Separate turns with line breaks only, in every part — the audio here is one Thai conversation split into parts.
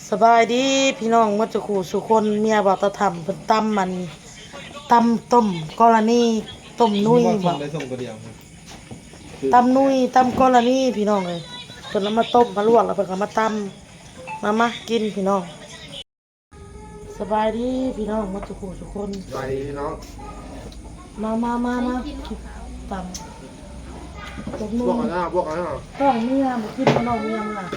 สบายดีพี่น้องมัจจุคูสุคนเมียบอกตะทำเป็นตำมันตำต้มกรณีต้มนุ้ยบอก
ได้ส่งตัวเดียวครับ
ตำนุ้ยตำกรณีพี่น้องเลยเพิ่นเอามาต้มมาลวกแล้วเพิ่นก็มาตำมากินพี่น้องสบายดีพี่น้องมัจจุคูสุคน
ไปพี่น้อง
มาตำต้ม
พ
นุ้
วกกันนะพวกกันนะ
ต้องเมียมากินพี่น้องเมียมา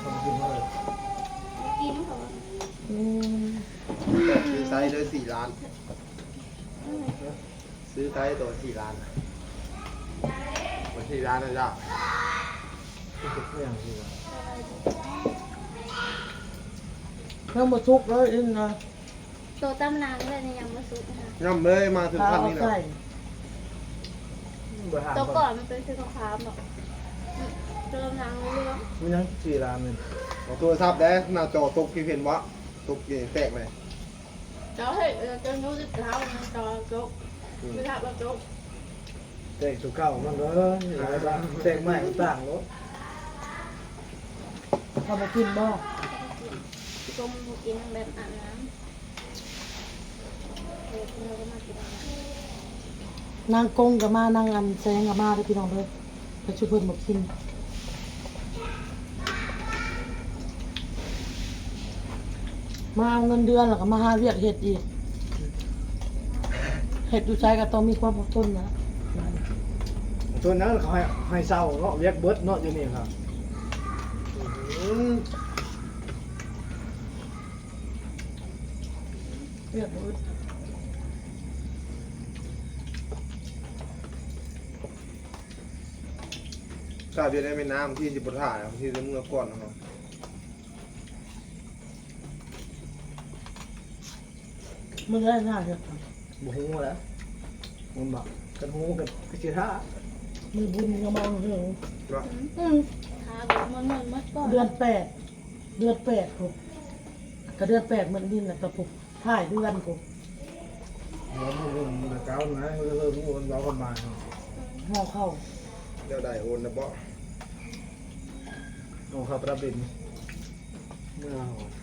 อืม
ซื้อไซส์เลย4 ล้าน ซื้อไซส์ตัว4 ล้านวัน4 ล้านนะจ๊ะ
เพิ่งมาทุกข์เลยอินนะ
ตัวตำนานเลยในยังมาซุปนะคะ
ย่ำเลยมาถึง
ข้า
ขั้น
ว
นี้แล้
ใส่
ว
ตัวก่อนมันเป็นสีขาวๆแบบตัวตำนานเรื่อง
มันยัง4 ล้านเลย
เอาตัวซับได้หน้าจอตกกี่เห็นวะตกกี่แตกเลย
เราเห็นจะนู้ดเท้ามันจอโจ๊กไม่ทับเราโจ๊ก
แต่ตัวเก่ามันก็หลายบาทแต่งใหม่ต่างรถ
ข้าวมากินบ่
ต้มกินแบบอาบน้ำเราก็มากิน
นางกงกับมานางอันแซงกับมาเลยพี่น้องเลยไปช่วยเพิ่นมากินมาเอาเงินเดือนแล้วก็มาหาเวียกเห็ดอีกเห็ดอยู่ใจก็ต้องมีความอดทนนะ
ตัวนั้นเขาให้เศร้าเนาะเวียกเบิดเนาะอยู่นี่ครับ
เวียกมืด
ถ้าเบียร์ได้ไม่น้ำที่จิบถ่ายที่จะเมื่อก่อนนะครับ
มึงได้หน้าเห็ด
บ่ฮู้แล้วมันบักกันฮู้กันคือสิท่า
มือบุญก็มาเอาเรื่อง
ว่า
ขาแบบมันก่อน
เดือนแปดผมก็เดือน8เหมือนนี่แหละแต่ผมถ่ายเดือนผม
มันเริ่มแต่เก่านะเริ่มมันเรากันมา
ห่อเข้า
เดี๋ยวได้โอนนะบ่
เอาเข้าประบินเมื่อ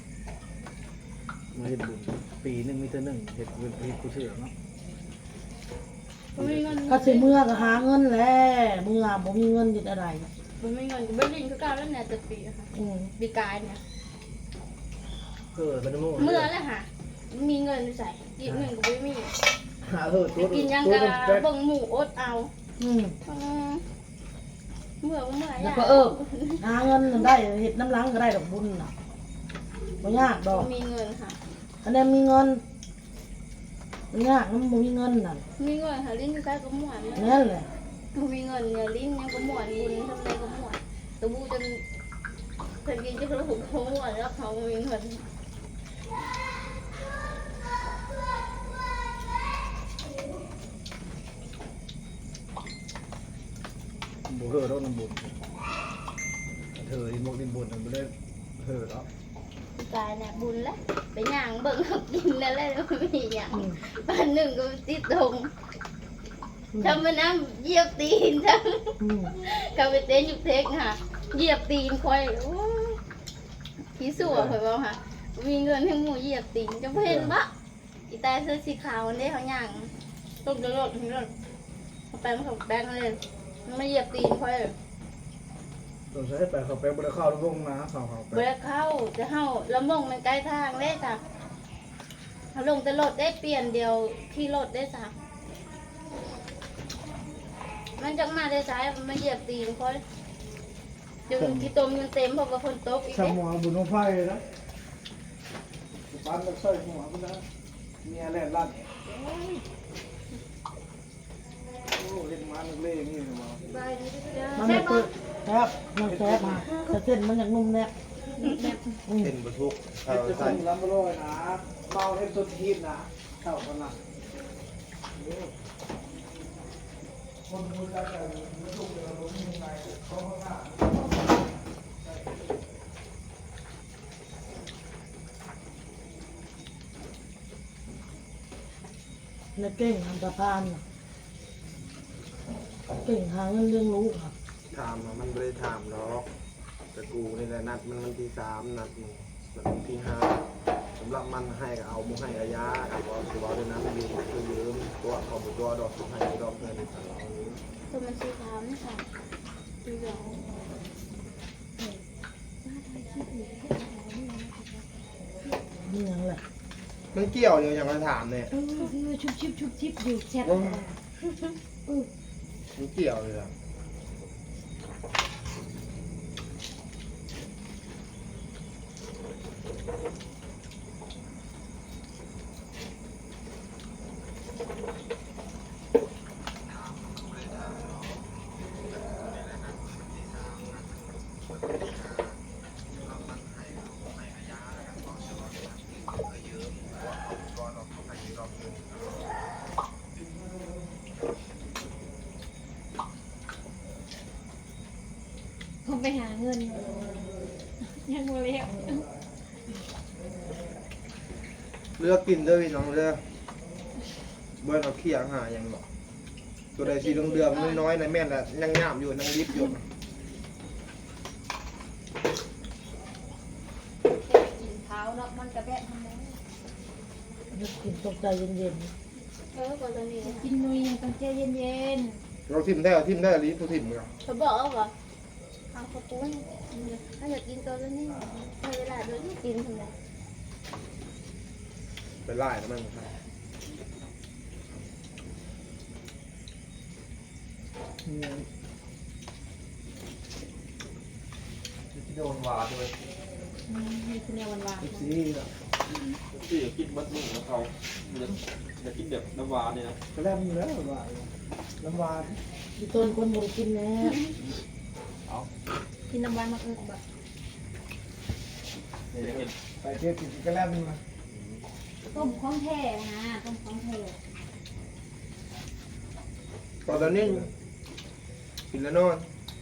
มาเฮ็ดบุญปีนึงมีแต่1เฮ็ดบุญเฮ็ดกูเชื่อเนาะ
ไม่เงิน
ก็สิเมื่อก็หาเงินแหละเมื่อบ่มีเงินเฮ็ดอะไร
ไม่เงินก็ไม่ลิงก็กล้าแล้วเนี่ยจะปีค่ะ
อืม
ปีกายเนี่ย
เป็นโม่
เมื่อแล้วค่ะมีเงินใส่กินเงินก็ไม่มี
ตัว
กินยัง
ตัว
กะ
เป็นแป๊ก
บังหมูอดเอา
อืม
เมื่อ
แล้วก็หาเงินนั่นได้เฮ็ดน้ำล้างก็ได้ดอกบุญน่ะบ่ยากดอก
มีเงินค่ะ
อันนี้มีเงินบ่ยากมันบ่มีเงินน่ะ
มีเงินค่ะลิ้นก็ก็หมวน
นั่นแหละ
มีเงินเนี่ยลิ้นยังก็หมวนบุญทำไรก็หมวนตัวบูจนเคยกินจะกระหุกเขาหมวนแล้วเขามีเงิน
บ่เฮอดอกน้ำบุญเธออีหมกดินบุญมันบ่ได้เฮอดอก
กายเนี่ยบุญแล้วไปย่างเบิ่งเขากินแล้วแล้วไม่มีอย่างวันหนึ่งก็ติดตรงทำมาน้ำเหยียบตีนทั้ง
อืม
เขาไปเต้นอยู่เทคค่ะเหยียบตีนคอยโอ้ยผีสัวคอยบอกค่ะ มีเงินให้หมูเหยียบตีนจะเพ่นปะอีตาเสื้อสีขาวนี่เขาย่างต้มจะรดถึงรดเขาแป้งเขาแป้งเลยมันมาเหยียบตีนคอย
ต้องใช้ไปเขาไปบ่ได้เข้าลงนะเขาไป
เบรเข้าจะเข้าละมงมันใกล้ทางเลยจ้ะเขาลงแต่รถได้เปลี่ยนเดียวที่รถได้จ้ะมันจังมาได้ซ้ายมันมาเหยียบตีนคอยจนที่ต้มยังเต็มเพราะว่าคนตกอีก
ส
เด้
มองบุญของไฟนะปั้นตะไคร้หัวมันนะเมียแล่นลั่นโอ้เล่นมานักเล่นี่นะมา
บายดีจ้ะ
มันไม่เปิดครับมันแซ่บมาแต่เส้นมันยังนุ่มแน่อืม
เป็นบรรทุก
เฮ็ดจะ
ใส่
คุ้มล้ำบ่ร้อยนะเมาเฮ็ดตัวทีมนะเข้ากันนะคนบุญแล้วแต่ลูกเดี๋ยวเรามียังไงเขาข้างหน้า
ในเก่งทำสะพานน่ะเก่งหาเงินเลี้ยงลูกครับ
ถามมันไม่ได้ถามหรอกแต่กูนี่แหละนัดมันวันที่3นัดมึงที่ห้าสำหรับมันให้ก็เอามุให้ระยะเอาว่าคือว่าด้วยน้ำยืมคือยืมตัวของตัวดอกสุดให้ดอกเงินของเรา
ตัวมันสีขาวนี่ค่ะดูเหลือง
นี่ยังแหละ
มันเกี่ยวเลยอย่างเราถามเนี่ย
ชุบชิบอยู่แชท
มันเกี่ยวเลยอ่ะ
ผมไปหาเงินยังโมเลี้ยว
เลือกกินด้วยพี่น้องเลือกเบิ้ลเอาเขี้ยหาอย่างหรอกตัวใดสีเดือมๆน้อยๆในแม่นแหละยังงามอยู่ยังริบอยู่
กินเท้าเนาะมันกระแบะทำไม
กินตกใจเย็น
ก่อนตอนนี้
กินนุยยังต้องใจเย็น
เราทิมได้เอาทิมได้ลิ้นผู้ทิมกัน
เขาบอกว่าเอาข้าวปุ้นถ้าอยากกินตัวนี้ให้เวลาด้วยกินทำไม
ไปไล่แล้วมันครับ
ที่โดนวาด้วย
ๆนี่คือแนวหวานๆ
สี
นะ
ที่กินบัดมึงของเขาจะกินแบบน้ำวาเนี่ยนะ
ก็แล้วมีแล้วว่าน้ำหวาน
ๆพี่ต้นคนบ่ได้กินแน่
กินน้ำหวานมากแบบ
เนี่ยจะเห็น
ไปเที่ยวกินก็แล้วมีมา
ต้มของแท้นะต้มของแท้
ตอนนี้กินแล้วนอน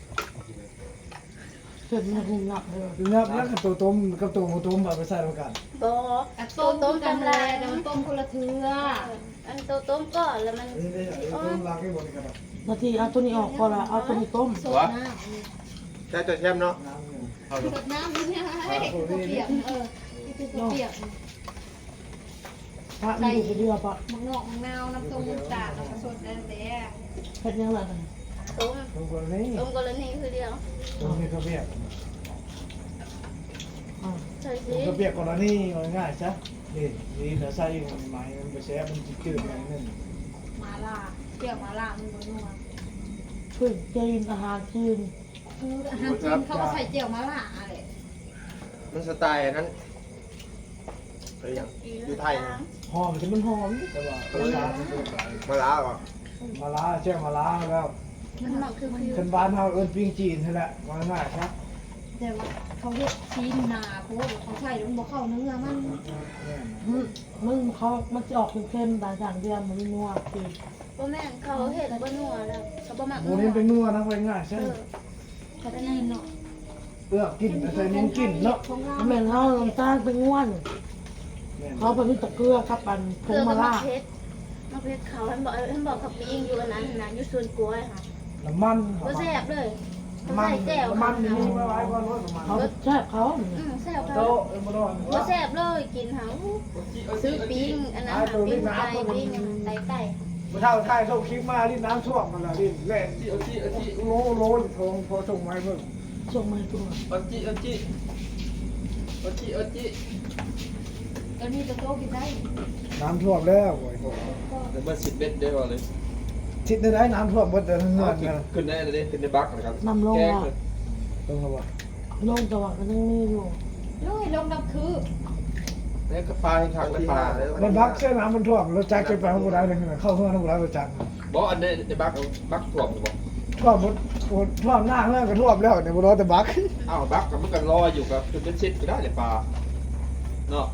เกิดมาหุงหลับเลย
ดูนับแล้วกับตัวต้มกับตัวต้มแบบไปใส่ลงกัน
บอก
อะต้มกันเลยแต่มันต้มคนละเทือ
อันโตต้มก่อนแล้วมัน
นี่ได้ต้มล้างให้หมดกัน
นาทีเอาตัวนี้ออกก่อนละเอาตัวนี้ต้ม
สดน้
แค่จะแช่มเนาะ
น้ำเนี่ย
ำสดน้ำนี่ไงเปียกนี่คือเปียก
พระมันอยู่ไปเรือปะ
มะงอกมะนาวน้ำต้มน้ำตาลน้ำสดนั่นแหละ
เฮ็ดยังไงกัน
ต้ม
ต้มคนนี้
ต้มกรณีคือเดียว
ต้มนี่ก็เปียก
ใช่
ต้
สิ
มก็เปียกก่อนแล้วนี่ง่ายๆซะนี่นี่เดี๋ยวใส่ไม้มันไปแช่มันจืดๆอย่างนึง
มาล่าเปียกมาล่ามันบนนัว
เพื่อกินอาหารคืน
คืออาหารจีนเขาก็ใส่เจียวมาล่าอะไร
มันสไตล์นั้นไปอย่างอยู่ไทยนะ
หอมจะมันหอมแต่ว่าตัวชาเป็นตัวใส
มาล้าก่อน
มาล้าแช่มาล้าแล้ว
มันหมักคือ
คนบ้านเฮาเอิ้นปิ้งจีนนั่นแหละง่ายๆครับ
แต่ว่าเขาเรียกชีนนาเพราะว่าเขาใส่แล้วมันบอกเข้าเนื้อมัน
มึงเขามันจะออกเค็มๆแต่อย่างเดียวมันไม่นัวคือ
บ่แม่นเขาเห็ดบ่นัวแล้วเขาบ่หมัก
โมนี้เป็นนัวนะง่ายๆใช่
เขาจะนี่เนาะ
เอื้อกินใส่นิ้วกินเนาะ
ของเรา
แม่นเขาลำตาลเป็นง่วนเขาไปมีตะเกียบกับปันผ
เกลื
ง
อ
มะ
กับมะ
ระ
เพ็ดมะเพ็ดเขาท่านบอกกับปิ้งอยู่อันนั้นนะอยู่สวนกล้วยค่ะ
น้ำมัน
บ่แซ่บเลยเขา
มัน
ใส่แจ่ว
น้ำมันนี่ไม่ไว้ก่อนรถน้ำมัน
เขาแช่เขา
แซ่บ
โต
เขา
บ่รอด
บ่แซ่บเลยกินหาซื้อปิ้งอันนั้นหาปิ้งไก่ปิ้งไก่ไก่
บ่เท่าไทยส่งคลิปมาที่น้ำท่วมมันละดิแล่น
เอาจีเอาจี
โลทงพอส่งมาให้เพิ่น
ส่งมาให้ตัว
เอาจีเอาจีเอาจีเอาจี
ตอนนี้จะโตกินได้
น้ำท่วมแล้วโอ้ย
เดี๋ยวมาสิบเบ็ดได้ก่อนเลย
ทิศได้น้ำท่วมหมดเลยทั้งเงินกัน
ขึ้นได้เลยขึ้นได้บักนะครับ
นำลง
แกง
ละ
เลย
ต้องเขาว่า
ลงจังหวะก็ยังมีอยู่
ลุยลงน้ำคือ
นี่ก็ปลาให้ทางไป
ที่
ปลา
ห้าเลย
มันบักเส้นน้ำมันท่วมรถจักรจะไปข้างบนได้เลยเข้าเฮือนข้างบนได้รถจักร
บอกอันนี้ในบักบักถ่วมอยู่บอก
ท่วมหมดท่วมหน้าเฮือนก็ท่วมแล้วเนี่ยบ่รอแต่บัก
อ้าวบักกับมันก็รออยู่กับจนเป็นชิดก็ได้ในปลาเนาะ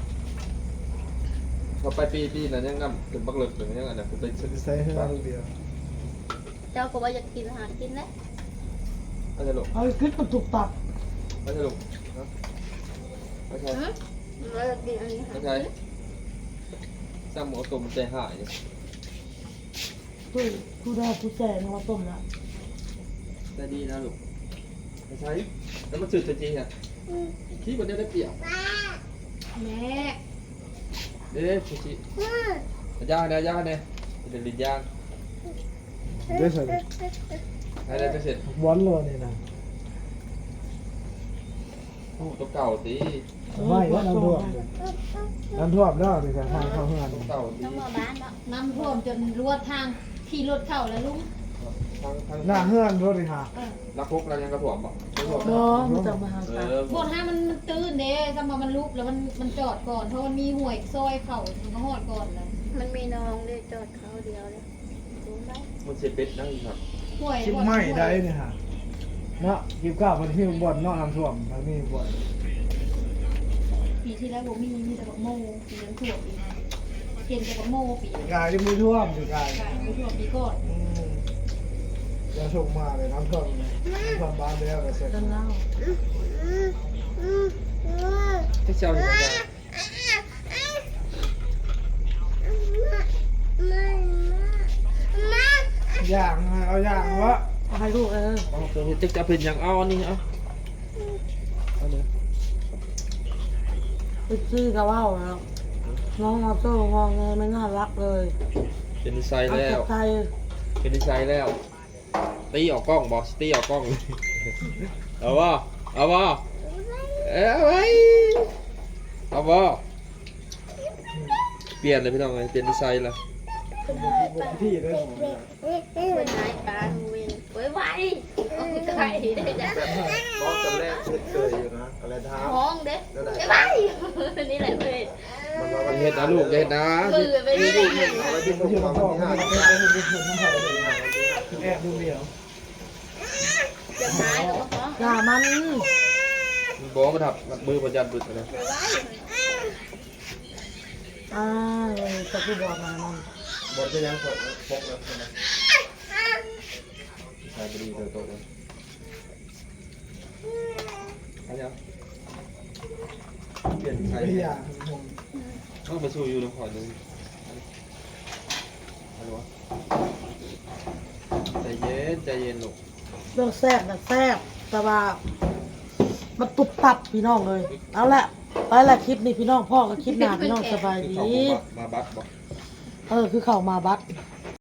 พอไปปีนั้นยังนำถึงบักเลิกถึงยังไงนะเป็นชิด
ใส่เฮือนเดียว
เจ้าก็ว่าอยากกินอาหารกินแล้ว
ไม่ใช่ลูก
เอาคลิปมันถูกตับ
ไม่ใช่ลูกไม่ใช่
เราอยากกินอันนี้
ไม่ใช่สร้างหมูตุ่มใจหาย
ผู้ได้ผู้แจ่มาต้มละ
แต่ดีนะลูกไม่ใช่แล้วมันสื่อจริงอ่ะ
ม
ขี้มันได้เปรียบ
แม่
เด้ชิชิย่างเนี่ยเป็นลิ้นย่าง
ได้ใส่
ได้ก็เสร็จ
บอลเลยนี่นะ
ตัวเก่าตี
ไม่ว่าน้ำท่วมน้ำท่วมแล้วนี่แต่ทางเข้าเฮือน
ตัวเก่าตี
น้ำมาบ้านเนาะ
น้ำท่วมจนรั่วทางขี่รถเข้าแล้วลุง
ทาง
หน้าเฮือนรถเลยค่ะ
รักพกเรายังกระถ่วมบ่กระถ่วม
เนาะมันจะมาหาตา
บนห้ามันตื้นเด้ถ้ามามันลุกแล้วมันจอดก่อนเพราะมันมีห่วยซอยเข่ามันก็หอดก่อนเลย
มันมีน้องเลยจอดเขาเดียวเลยรู้ไหม
มันเสียเป็ดนั่งครับ
ห่วย
ชิมไม่ได้นี่ค่ะเนาะกินข้าวมันที่บ่อนเนาะน้ำท่วมมันมีบ่อน
ปีที่แล้วผมมีแต่บักโมปีนั้นท่วมปีนั้นเก่งแต่บักโมปี
กายที่มือท่วมสิกาย
ไม่ท่วมปีก่อน
จะส่งมาเลยน้ำท่วมน้ำท่วมบ้านแล้วก็เสร็จ
กันแล้ว
ที่เช้าที่ยัง
ย่างเอาย่างวะ
เอาให้ลูก
เอาตัวนี้จะเป็นอย่างเอานี่เอาเอาเลย
ไปซื้อกระว่าวแล้วน้องมาโต้งองไงไม่น่ารักเลย
เป็นนิสัย
เอา
แล้
แต่
ว
ใจ
เป็นนิสัยแล้วตีออกกล้องบอกตีออกกล้องเลยเอาบ่เอาไว้เอาบ่เปลี่ยนเลยพี่น้องเลยเปลี่ยนนิสัยละ
ที่เลย
เป็นนายปลาเวนไว้ไว้เอาไก่ได้จ้ะ
มองจำแรกเคยอยู่นะอะไรท้า
ห้องเด้ไว้ไว้นี่แหละเว้ย
มัน
เห็ดนะลูกเห็ดนะ
มือไปนี่แหละ
เอาไว้ที่ผมมาวันที่ห้าที่ห้า
แอบดูเดียว
จะหายหรอพ่อ
อย่ามัน
บอกมาถับมือประจันบึกนะ
ไว้
อ่าจะพูดบอกมามัน
บอลจะยังกดพกแล้วนะ
ใช่พอดีเลยโตเลยเอาเนี่ยเปลี่ยนใคร
ไม่อยาก
ต้องมาสู้อยู่ตรงขอดูอะไรวะใจเย็นลูก
เรื่องแซ่บแบบแซ่บแต่ว่ามันตุบตับพี่น้องเลยเอาละไปละคลิปนี้พี่น้องพ่อกับคลิปหน้าพี่น้องสบาย
คือ
ดี
เขามาบัดบอก
คือเข้ามาบัด
เ